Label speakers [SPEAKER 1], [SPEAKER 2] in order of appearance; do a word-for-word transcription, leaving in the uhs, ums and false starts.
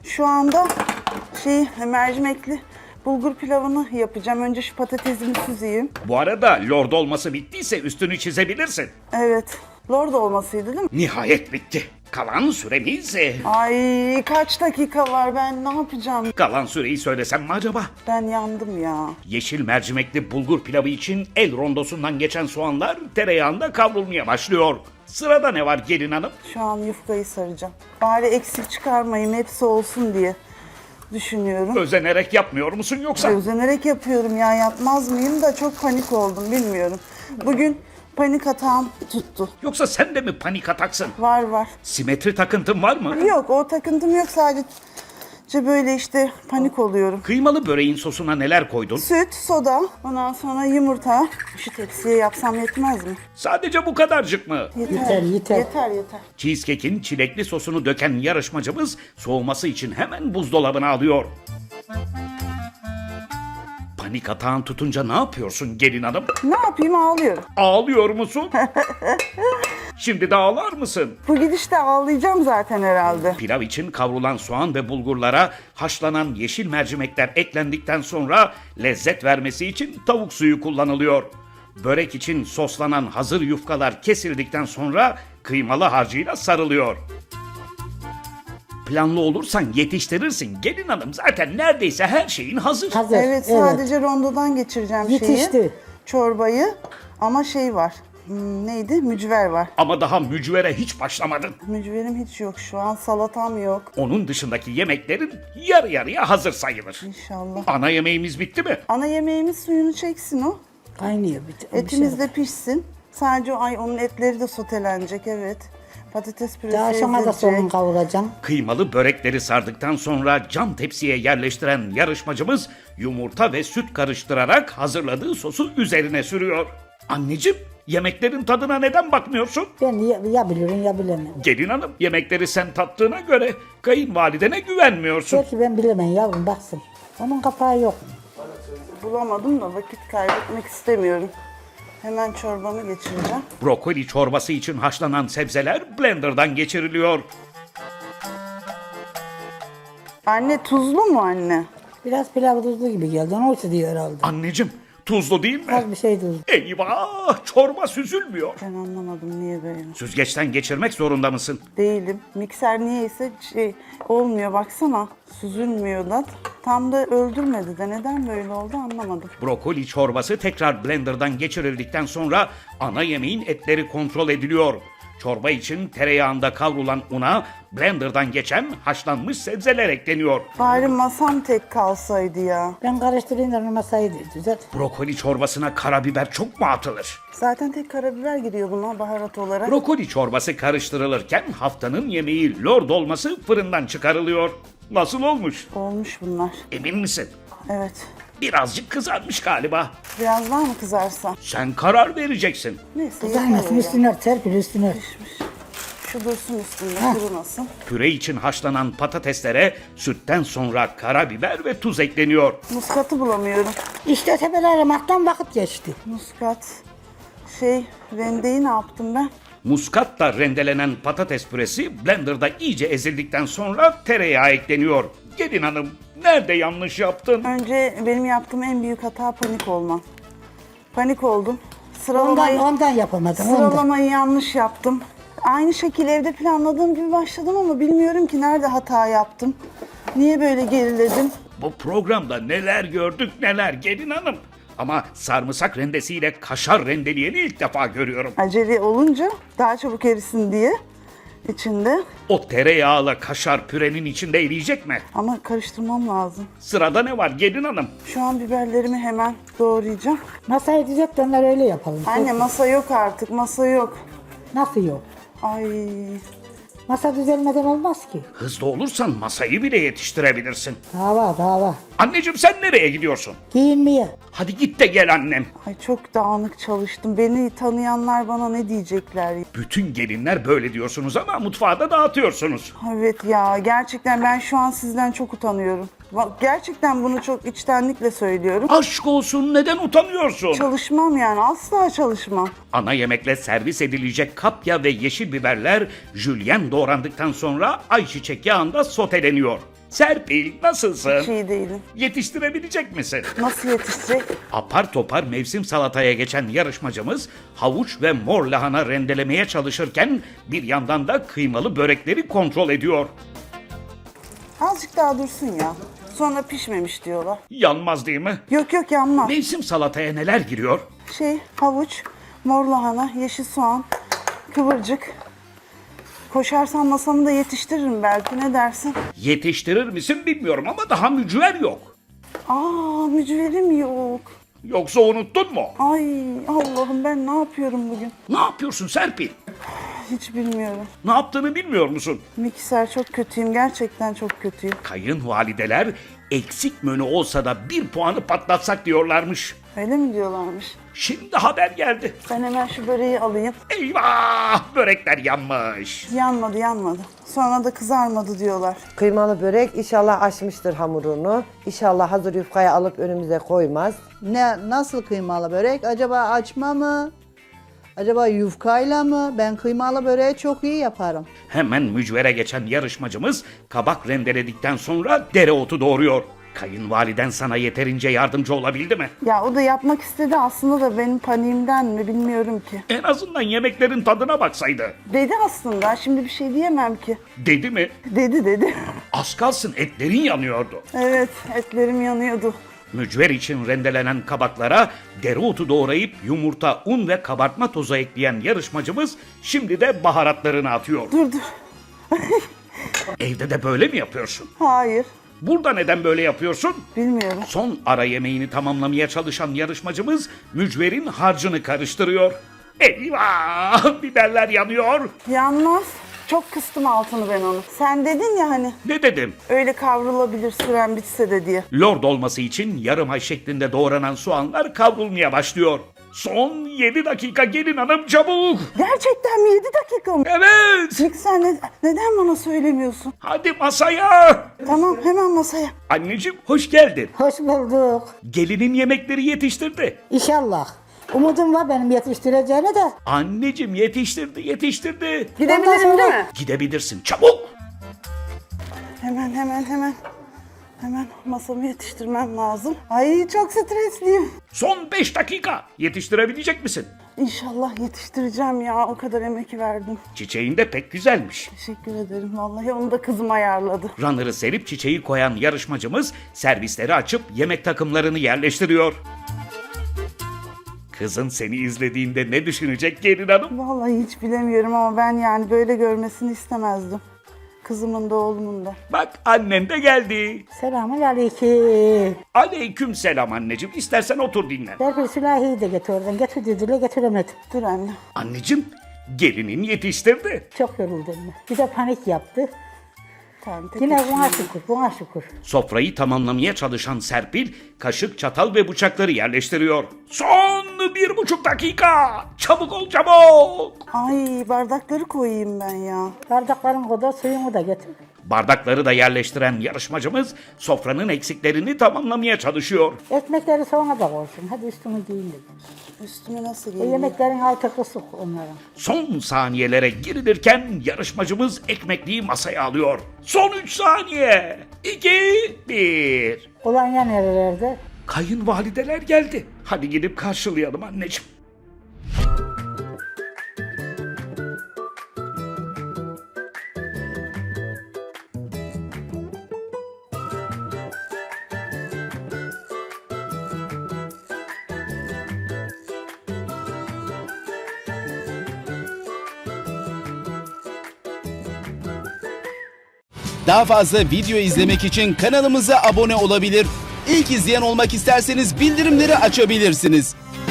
[SPEAKER 1] Şu anda şey mercimekli bulgur pilavını yapacağım. Önce şu patatesimi süzeyim.
[SPEAKER 2] Bu arada lord olması bittiyse üstünü çizebilirsin.
[SPEAKER 1] Evet. Lord olmasıydı değil mi?
[SPEAKER 2] Nihayet bitti. Kalan süremiz... e,
[SPEAKER 1] Ay kaç dakika var, ben ne yapacağım?
[SPEAKER 2] Kalan süreyi söylesem mi acaba?
[SPEAKER 1] Ben yandım ya.
[SPEAKER 2] Yeşil mercimekli bulgur pilavı için el rondosundan geçen soğanlar tereyağında kavrulmaya başlıyor. Sırada ne var gelin hanım?
[SPEAKER 1] Şu an yufkayı saracağım. Bari eksik çıkarmayayım, hepsi olsun diye düşünüyorum.
[SPEAKER 2] Özenerek yapmıyor musun yoksa?
[SPEAKER 1] Özenerek yapıyorum ya, yapmaz mıyım da çok panik oldum, bilmiyorum. Bugün panik atağım tuttu.
[SPEAKER 2] Yoksa sen de mi panik ataksın?
[SPEAKER 1] Var var.
[SPEAKER 2] Simetri takıntın var mı?
[SPEAKER 1] Yok, o takıntım yok, sadece böyle işte panik oluyorum.
[SPEAKER 2] Kıymalı böreğin sosuna neler koydun?
[SPEAKER 1] Süt, soda, ondan sonra yumurta. Şu tepsiye yapsam yetmez mi?
[SPEAKER 2] Sadece bu kadarcık mı?
[SPEAKER 3] Yeter, yeter.
[SPEAKER 1] Yeter, yeter.
[SPEAKER 2] Cheesecake'in çilekli sosunu döken yarışmacımız soğuması için hemen buzdolabına alıyor. Panik atağın tutunca ne yapıyorsun gelin hanım?
[SPEAKER 1] Ne yapayım, ağlıyorum.
[SPEAKER 2] Ağlıyor musun? Şimdi de ağlar mısın?
[SPEAKER 1] Bu gidişte ağlayacağım zaten herhalde.
[SPEAKER 2] Pilav için kavrulan soğan ve bulgurlara haşlanan yeşil mercimekler eklendikten sonra lezzet vermesi için tavuk suyu kullanılıyor. Börek için soslanan hazır yufkalar kesildikten sonra kıymalı harcıyla sarılıyor. Planlı olursan yetiştirirsin gelin hanım. Zaten neredeyse her şeyin hazır.
[SPEAKER 3] Hazır.
[SPEAKER 1] Evet, sadece rondodan geçireceğim şeyi.
[SPEAKER 3] Yetişti.
[SPEAKER 1] Çorbayı, ama şey var. Hmm, neydi? Mücver var.
[SPEAKER 2] Ama daha mücvere hiç başlamadın.
[SPEAKER 1] Mücverim hiç yok şu an, salatam yok.
[SPEAKER 2] Onun dışındaki yemeklerin yarı yarıya hazır sayılır.
[SPEAKER 1] İnşallah.
[SPEAKER 2] Ana yemeğimiz bitti mi?
[SPEAKER 1] Ana yemeğimiz suyunu çeksin o.
[SPEAKER 3] Kaynıyor. Bir,
[SPEAKER 1] Etimiz de pişsin. Sadece o, ay onun etleri de sotelenecek, evet. Patates püresi
[SPEAKER 3] Daha aşamada
[SPEAKER 1] ezilecek.
[SPEAKER 3] sonunu kavuracağım.
[SPEAKER 2] Kıymalı börekleri sardıktan sonra cam tepsiye yerleştiren yarışmacımız yumurta ve süt karıştırarak hazırladığı sosu üzerine sürüyor. Anneciğim, yemeklerin tadına neden bakmıyorsun?
[SPEAKER 3] Ben ya, ya bilirim ya bilemem.
[SPEAKER 2] Gelin hanım, yemekleri sen tattığına göre kayınvalidene güvenmiyorsun.
[SPEAKER 3] Belki ben bilemem yavrum, baksın. Onun kapağı yok.
[SPEAKER 1] Bulamadım da vakit kaybetmek istemiyorum. Hemen çorbamı geçireceğim.
[SPEAKER 2] Brokoli çorbası için haşlanan sebzeler blenderdan geçiriliyor.
[SPEAKER 1] Anne, tuzlu mu anne?
[SPEAKER 3] Biraz pilav tuzlu gibi geldi. Onun için diyor herhalde.
[SPEAKER 2] Anneciğim, tuzlu değil mi?
[SPEAKER 3] Az bir şey tuzlu.
[SPEAKER 2] Eyvah, çorba süzülmüyor.
[SPEAKER 1] Ben anlamadım niye böyle.
[SPEAKER 2] Süzgeçten geçirmek zorunda mısın?
[SPEAKER 1] Değilim. Mikser niyeyse şey olmuyor, baksana. Süzülmüyor da. Tam da öldürmedi de, neden böyle oldu anlamadım.
[SPEAKER 2] Brokoli çorbası tekrar blenderdan geçirildikten sonra ana yemeğin etleri kontrol ediliyor. Çorba için tereyağında kavrulan una blenderdan geçen haşlanmış sebzeler ekleniyor.
[SPEAKER 1] Bari masam tek kalsaydı ya.
[SPEAKER 3] Ben karıştırayım da masayı düzelt.
[SPEAKER 2] Brokoli çorbasına karabiber çok mu atılır?
[SPEAKER 1] Zaten tek karabiber giriyor buna baharat olarak.
[SPEAKER 2] Brokoli çorbası karıştırılırken haftanın yemeği lord olması fırından çıkarılıyor. Nasıl olmuş?
[SPEAKER 1] Olmuş bunlar.
[SPEAKER 2] Emin misin?
[SPEAKER 1] Evet.
[SPEAKER 2] Birazcık kızarmış galiba.
[SPEAKER 1] Biraz daha mı kızarsa?
[SPEAKER 2] Sen karar vereceksin.
[SPEAKER 1] Neyse, yeter
[SPEAKER 3] Kızarmasın,
[SPEAKER 1] öyle.
[SPEAKER 3] üstüne ört, serpil üstüne ört.
[SPEAKER 1] Şu dursun üstünde,
[SPEAKER 3] Heh.
[SPEAKER 1] kurumasın.
[SPEAKER 2] Püre için haşlanan patateslere sütten sonra karabiber ve tuz ekleniyor.
[SPEAKER 1] Muskatı bulamıyorum.
[SPEAKER 3] İşte tepeler aramaktan vakit geçti.
[SPEAKER 1] Muskat. Şey, rendeyi ne yaptım ben?
[SPEAKER 2] Muskatla rendelenen patates püresi blenderda iyice ezildikten sonra tereyağı ekleniyor. Gelin hanım, nerede yanlış yaptın?
[SPEAKER 1] Önce benim yaptığım en büyük hata panik olmam. Panik oldum.
[SPEAKER 3] Ondan,
[SPEAKER 1] Sıralamayı,
[SPEAKER 3] ondan yapamadım. Ondan.
[SPEAKER 1] sıralamayı yanlış yaptım. Aynı şekilde evde planladığım gibi başladım ama bilmiyorum ki nerede hata yaptım. Niye böyle geriledim?
[SPEAKER 2] Bu programda neler gördük neler gelin hanım. Ama sarımsak rendesiyle kaşar rendeleyeni ilk defa görüyorum.
[SPEAKER 1] Acele olunca daha çabuk erisin diye içinde.
[SPEAKER 2] O tereyağla kaşar pürenin içinde eriyecek mi?
[SPEAKER 1] Ama karıştırmam lazım.
[SPEAKER 2] Sırada ne var gelin hanım?
[SPEAKER 1] Şu an biberlerimi hemen doğrayacağım.
[SPEAKER 3] Masayı düzelt de onlar öyle yapalım.
[SPEAKER 1] Anne, masa yok artık, masa yok.
[SPEAKER 3] Nasıl yok?
[SPEAKER 1] Ay,
[SPEAKER 3] Masa düzelmeden olmaz ki.
[SPEAKER 2] Hızlı olursan masayı bile yetiştirebilirsin.
[SPEAKER 3] Daha var, daha var.
[SPEAKER 2] Anneciğim sen nereye gidiyorsun?
[SPEAKER 3] Giyinmeye.
[SPEAKER 2] Hadi git de gel annem.
[SPEAKER 1] ay çok dağınık çalıştım. Beni tanıyanlar bana ne diyecekler?
[SPEAKER 2] Bütün gelinler böyle diyorsunuz ama mutfağı da dağıtıyorsunuz.
[SPEAKER 1] Evet ya, gerçekten ben şu an sizden çok utanıyorum. Va- Gerçekten bunu çok içtenlikle söylüyorum.
[SPEAKER 2] Aşk olsun, neden utanıyorsun?
[SPEAKER 1] Çalışmam yani, asla çalışmam.
[SPEAKER 2] Ana yemekle servis edilecek kapya ve yeşil biberler jülyen doğrandıktan sonra ayçiçek yağında soteleniyor. Serpil nasılsın?
[SPEAKER 1] Hiç iyi değilim.
[SPEAKER 2] Yetiştirebilecek misin?
[SPEAKER 1] Nasıl yetişecek?
[SPEAKER 2] Apar topar mevsim salataya geçen yarışmacımız havuç ve mor lahana rendelemeye çalışırken bir yandan da kıymalı börekleri kontrol ediyor.
[SPEAKER 1] Azıcık daha dursun ya. Sonra pişmemiş diyorlar.
[SPEAKER 2] Yanmaz değil mi?
[SPEAKER 1] Yok yok yanmaz.
[SPEAKER 2] Mevsim salataya neler giriyor?
[SPEAKER 1] Şey havuç, mor lahana, yeşil soğan, kıvırcık. Koşarsam masamı da yetiştiririm belki, ne dersin?
[SPEAKER 2] Yetiştirir misin bilmiyorum ama daha mücver yok.
[SPEAKER 1] Aa, mücverim yok.
[SPEAKER 2] Yoksa unuttun mu?
[SPEAKER 1] Ay Allah'ım, ben ne yapıyorum bugün?
[SPEAKER 2] Ne yapıyorsun Serpil?
[SPEAKER 1] Hiç bilmiyorum.
[SPEAKER 2] Ne yaptığını bilmiyor musun?
[SPEAKER 1] Mikser çok kötüyüm, gerçekten çok kötüyüm.
[SPEAKER 2] Kayınvalideler eksik menü olsa da bir puanı patlatsak diyorlarmış.
[SPEAKER 1] Öyle mi diyorlarmış?
[SPEAKER 2] Şimdi haber geldi.
[SPEAKER 1] Ben hemen şu böreği alayım.
[SPEAKER 2] Eyvah! Börekler yanmış.
[SPEAKER 1] Yanmadı yanmadı. Sonra da kızarmadı diyorlar.
[SPEAKER 4] Kıymalı börek inşallah açmıştır hamurunu. İnşallah hazır yufkayı alıp önümüze koymaz.
[SPEAKER 5] Ne, nasıl kıymalı börek? Acaba açma mı? Acaba yufkayla mı? Ben kıymalı böreği çok iyi yaparım.
[SPEAKER 2] Hemen mücvere geçen yarışmacımız kabak rendeledikten sonra dereotu doğuruyor. Kayınvaliden sana yeterince yardımcı olabildi mi?
[SPEAKER 1] Ya o da yapmak istedi aslında da benim paniğimden mi bilmiyorum ki.
[SPEAKER 2] En azından yemeklerin tadına baksaydı.
[SPEAKER 1] Dedi aslında, şimdi bir şey diyemem ki.
[SPEAKER 2] Dedi mi?
[SPEAKER 1] Dedi dedi.
[SPEAKER 2] Az kalsın etlerin yanıyordu.
[SPEAKER 1] Evet, etlerim yanıyordu.
[SPEAKER 2] Mücver için rendelenen kabaklara dereotu doğrayıp yumurta, un ve kabartma tozu ekleyen yarışmacımız şimdi de baharatlarını atıyor.
[SPEAKER 1] Dur dur.
[SPEAKER 2] Evde de böyle mi yapıyorsun?
[SPEAKER 1] Hayır,
[SPEAKER 2] Burada neden böyle yapıyorsun?
[SPEAKER 1] bilmiyorum.
[SPEAKER 2] Son ara yemeğini tamamlamaya çalışan yarışmacımız mücverin harcını karıştırıyor. Eyvah! Biberler yanıyor.
[SPEAKER 1] Yanmaz. Çok kıstım altını ben onu. Sen dedin ya hani
[SPEAKER 2] Ne dedim?
[SPEAKER 1] öyle kavrulabilir süren bitse de diye.
[SPEAKER 2] Lord olması için yarım ay şeklinde doğranan soğanlar kavrulmaya başlıyor. Son yedi dakika gelin hanım çabuk.
[SPEAKER 1] Gerçekten mi? yedi dakika mı?
[SPEAKER 2] Evet.
[SPEAKER 1] Mikser ne- neden bana söylemiyorsun?
[SPEAKER 2] Hadi masaya.
[SPEAKER 1] Tamam, hemen masaya.
[SPEAKER 3] Anneciğim
[SPEAKER 2] Hoş geldin.
[SPEAKER 3] Hoş bulduk.
[SPEAKER 2] Gelinin yemekleri yetiştirdi.
[SPEAKER 3] İnşallah. Umudum var benim yetiştireceğine de.
[SPEAKER 2] Anneciğim yetiştirdi yetiştirdi.
[SPEAKER 3] Ondan
[SPEAKER 1] Gidebilirim
[SPEAKER 3] sonra-
[SPEAKER 1] değil mi?
[SPEAKER 2] Gidebilirsin çabuk.
[SPEAKER 1] Hemen hemen hemen. Hemen masamı yetiştirmem lazım. Ay çok stresliyim.
[SPEAKER 2] Son beş dakika. Yetiştirebilecek misin?
[SPEAKER 1] İnşallah yetiştireceğim ya. O kadar emek verdim.
[SPEAKER 2] Çiçeğin de pek güzelmiş.
[SPEAKER 1] Teşekkür ederim. Vallahi onu da kızım ayarladı.
[SPEAKER 2] Runner'ı serip çiçeği koyan yarışmacımız servisleri açıp yemek takımlarını yerleştiriyor. Kızın seni izlediğinde ne düşünecek gelin hanım?
[SPEAKER 1] Vallahi hiç bilemiyorum ama ben yani böyle görmesini istemezdim. Kızımın da oğlumun da.
[SPEAKER 2] Bak annen de geldi.
[SPEAKER 3] Selamun aleyküm.
[SPEAKER 2] Aleyküm selam anneciğim. İstersen otur dinlen.
[SPEAKER 3] Serpil Sülahi'yi de getir oradan. Getir dediler getiremedim.
[SPEAKER 1] Dur anne.
[SPEAKER 2] Anneciğim gelinin yetiştirdi.
[SPEAKER 3] Çok yoruldum ben. Bir de panik yaptı.
[SPEAKER 1] Tamam,
[SPEAKER 3] Yine
[SPEAKER 1] teşekkür
[SPEAKER 3] buna
[SPEAKER 1] ederim.
[SPEAKER 3] şükür, buna şükür.
[SPEAKER 2] Sofrayı tamamlamaya çalışan Serpil kaşık, çatal ve bıçakları yerleştiriyor. Son bir buçuk dakika. Çabuk ol çabuk.
[SPEAKER 1] Ay bardakları koyayım ben ya.
[SPEAKER 3] Bardakların kadar suyumu da getir.
[SPEAKER 2] Bardakları da yerleştiren yarışmacımız sofranın eksiklerini tamamlamaya çalışıyor.
[SPEAKER 3] Ekmekleri sonra da koysun. Hadi üstünü giyin dedim.
[SPEAKER 1] Üstüme nasıl
[SPEAKER 3] E,
[SPEAKER 1] giyeyim?
[SPEAKER 3] yemeklerin altı kısık onların.
[SPEAKER 2] Son saniyelere girilirken yarışmacımız ekmekliği masaya alıyor. Son üç saniye. iki, bir.
[SPEAKER 3] Kolonya nerelerde?
[SPEAKER 2] Kayınvalideler geldi. Hadi gidip karşılayalım anneciğim.
[SPEAKER 6] Daha fazla video izlemek için kanalımıza abone olabilir. İlk izleyen olmak isterseniz bildirimleri açabilirsiniz.